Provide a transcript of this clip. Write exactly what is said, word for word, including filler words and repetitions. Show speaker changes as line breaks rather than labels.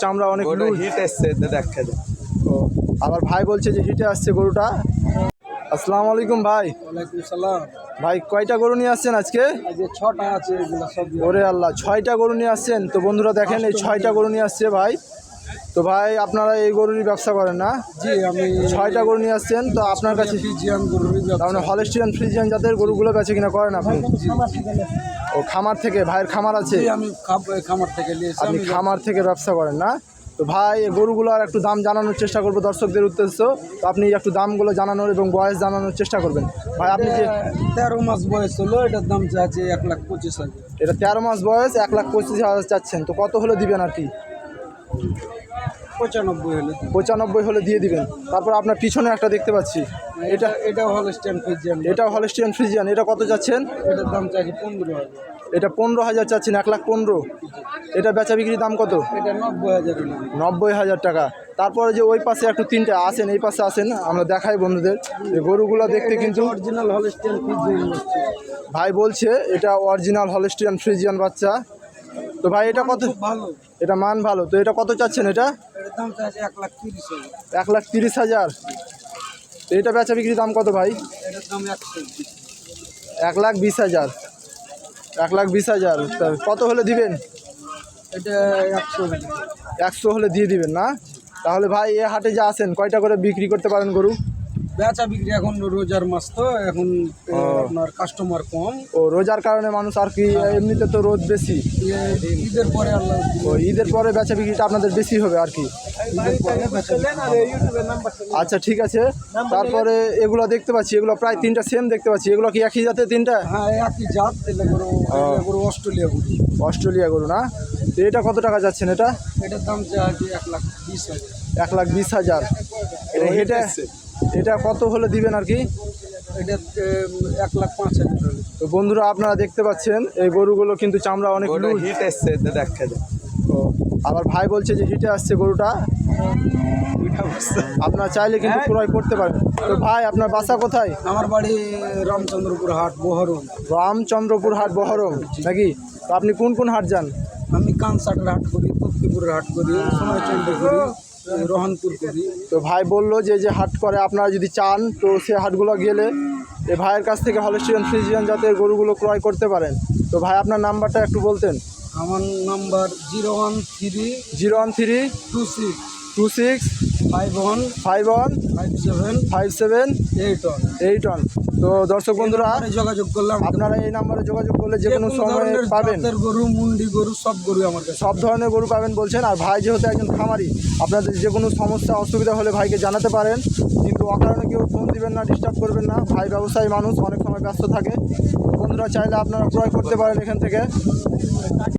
চামড়া অনেক
হিট এসছে দেখা যায়।
ও আবার ভাই বলছে যে হিটে আসছে গরুটা। আসসালামু আলাইকুম ভাই।
ওয়ালাইকুম সালাম।
ভাই কয়টা গরু নিয়ে আসছেন আজকে?
আজকে ছটা আছে এগুলো সব।
ওরে আল্লাহ, ছয়টা গরু নিয়ে আসছেন। তো বন্ধুরা দেখেন এই ছয়টা গরু নিয়ে আসছে ভাই। তো ভাই আপনারা এই গরুরই ব্যবসা করেন না?
জি, আমি
ছয়টা গরু নিয়ে আসছেন। তো আপনার কাছে
ফ্রিজিয়ান গরুর
তার মানে হলস্টিয়ান ফ্রিজিয়ান জাতের গরুগুলো বেচে কিনা করেন আপনি? ও খামার থেকে, ভাইয়ের খামার আছে?
আমি খামার থেকে নিয়েছি।
আপনি খামার থেকে ব্যবসা করেন না? তো ভাই এই গরুগুলো আর একটু দাম জানানোর চেষ্টা করবো দর্শকদের উদ্দেশ্য। তো আপনি একটু দামগুলো জানানোর এবং বয়স জানানোর চেষ্টা করবেন ভাই। আপনি যে
তেরো মাস বয়স হলো, এটার দাম চাচ্ছে এক লাখ পঁচিশ হাজার।
এটা তেরো মাস বয়স, এক লাখ পঁচিশ হাজার চাচ্ছেন। তো কত হলে দিবেন আর কি?
পঁচানব্বই হলে
পঁচানব্বই হলে দিয়ে দিবেন। তারপর আপনার পিছনে একটা দেখতে পাচ্ছি,
এটা এটাও হলস্টিয়ান ফ্রিজিয়ান।
এটাও হলস্টিয়ান ফ্রিজিয়ান। এটা কত চাচ্ছেন?
এটার দাম চাচ্ছে পনেরো হাজার।
এটা পনেরো হাজার চাচ্ছেন, এক লাখ পনেরো। এটা বেচা বিক্রির দাম কত?
এটা নব্বই হাজার।
নব্বই হাজার টাকা। তারপরে যে ওই পাশে একটু তিনটে আসেন, এই পাশে আসেন, আমরা দেখাই বন্ধুদের। এই গরুগুলো দেখতে কিন্তু
অরিজিনাল হলস্টিয়ান ফ্রিজিয়ান।
ভাই বলছে এটা অরিজিনাল হলস্টিয়ান ফ্রিজিয়ান বাচ্চা। তো ভাই এটা কত?
ভালো,
এটা মান ভালো। তো এটা কত চাচ্ছেন? এটা
এটার দাম চাচ্ছে এক লাখ তিরিশ হাজার।
এক লাখ তিরিশ হাজার। তো এটা বেচা বিক্রির দাম কত ভাই?
এটার দাম একশো
এক লাখ বিশ হাজার। এক লাখ বিশ হাজার। তা কত হলে দিবেন?
এটা একশো
একশো হলে দিয়ে দিবেন না? তাহলে ভাই এ হাটে যা আসেন কয়টা করে বিক্রি করতে পারেন গরু?
বেচা বিক্রি এখন রোজার মাস তো এখন আপনার কাস্টমার কম।
ও রোজার কারণে মানুষ আর কি, এমনিতে তো রোদ বেশি।
ঈদের পরে আল্লাহ
ও ঈদের পরে বেচা বিক্রিটা আপনাদের বেশি হবে আর কি। আচ্ছা ঠিক আছে। তারপরে এগুলো দেখতে পাচ্ছি, এগুলো প্রায় তিনটা সেম দেখতে পাচ্ছি। এগুলো কি একই জাতের তিনটা?
হ্যাঁ, একই জাত। এটা গরু গরু অস্ট্রেলিয়া গরু।
অস্ট্রেলিয়া গরু না? তো এটা কত টাকা যাচ্ছেন? এটা
এটার দাম চাচ্ছে এক লাখ বিশ হাজার।
এক লাখ বিশ হাজার। এটা এটা কত হলে দিবেন আর কি?
এটা এক লাখ পাঁচ হাজার।
তো বন্ধুরা আপনারা দেখতে পাচ্ছেন এই গরুগুলো কিন্তু চামড়া অনেক
হিট এসছে দেখা যায়।
ও আবার ভাই বলছে যে হিটে আসছে গরুটা। আপনারা চাইলে কিন্তু ক্রয় করতে পারেন। তো ভাই আপনার বাসা কোথায়?
আমার বাড়ি রামচন্দ্রপুর হাট, বহরম।
রামচন্দ্রপুর হাট, বহরম নাকি? তো আপনি কোন কোন হাট যান?
আমি কানসাটের হাট করি, তক্তিপুরের হাট করি, সোনাইচন্ডী করি, রহনপুর করি।
তো ভাই বললো যে যে হাট করে আপনারা যদি চান তো সে হাটগুলো গেলে এই ভাইয়ের কাছ থেকে হলস্টিয়ান ফ্রিজিয়ান জাতের গরুগুলো ক্রয় করতে পারেন। তো ভাই আপনার নাম্বারটা একটু বলতেন।
আমার number zero one three
zero one three
two six
two six
five one
five one
five seven
five seven
eight one
eight one. তো দর্শক বন্ধুরা
যোগাযোগ করলাম,
আপনারা এই নাম্বারে যোগাযোগ করলে যে কোনো সময় পাবেন।
গরু, মুন্ডি গরু, সব গরু আমার কাছে,
সব ধরনের গরু পাবেন বলছেন। আর ভাই যেহেতু একজন খামারি, আপনাদের যে কোনো সমস্যা অসুবিধা হলে ভাইকে জানাতে পারেন, কিন্তু অকারণে কেউ ফোন দিবেন না, ডিস্টার্ব করবেন না। ভাই ব্যবসায়ী মানুষ, অনেক সময় ব্যস্ত থাকে। বন্ধুরা চাইলে আপনারা ক্রয় করতে পারেন এখান থেকে।